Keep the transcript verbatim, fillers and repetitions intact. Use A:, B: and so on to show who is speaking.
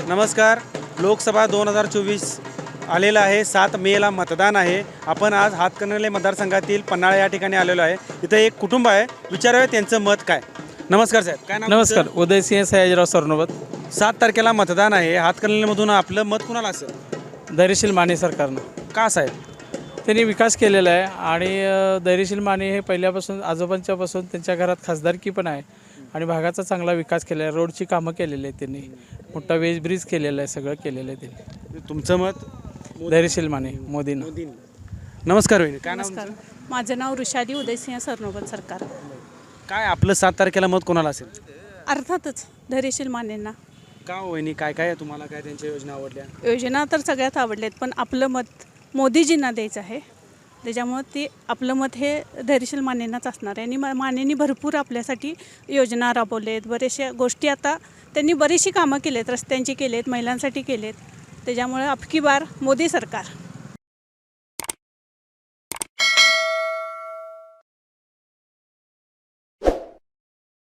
A: नमस्कार. लोकसभा दोन हजार चोवीस आलेला आहे. सात मेला मतदान आहे. आपण आज हातकणंगले मतदारसंघातील पन्हाळा या ठिकाणी आलेलो आहे. इथं एक कुटुंब आहे, विचारूया त्यांचं मत काय. नमस्कार साहेब, काय नाव
B: नमस्कार.
A: तुमचं?
B: उदयसिंह सयाजीराव सरनोबत.
A: सात तारखेला मतदान आहे. हातकणंगलेमधून आपलं मत कुणाला असेल?
B: धैर्यशील माने सरकारनं
A: का साहेब?
B: त्यांनी विकास केलेला आहे आणि अ, धैर्यशील माने हे पहिल्यापासून आजोबांच्यापासून त्यांच्या घरात खासदारकी पण आहे आणि भागाचा चांगला विकास केला आहे. रोडची कामं केलेली आहेत त्यांनी, मोठा वेज ब्रिज केलेला आहे, सगळं केलेलं आहे त्यांनी.
A: तुमचं मत?
B: धैर्यशील माने मोदींना.
A: नमस्कार वहिनी, काय नाव
C: नमस्कार.
A: तुमचं?
C: माझं नाव ऋषाली उदयसिंह सरनोबत सरकार.
A: काय आपलं सात तारखेला मत कोणाला असेल?
C: अर्थातच धैर्यशील मानेंना.
A: का हो वहिनी, काय काय आहे तुम्हाला, काय त्यांच्या योजना आवडल्या?
C: योजना तर सगळ्यात आवडल्यात, पण आपलं मत मोदीजींना द्यायचं आहे. त्याच्यामुळं ते आपलं मत हे धैर्यशील मानेंनाच असणार आहे. आणि मा मानेंनी भरपूर आपल्यासाठी योजना राबवलेत, बऱ्याचशा गोष्टी आता त्यांनी बरीचशी कामं केलेत, रस्त्यांची केलेत, महिलांसाठी केलेत. त्याच्यामुळे अबकी बार मोदी सरकार.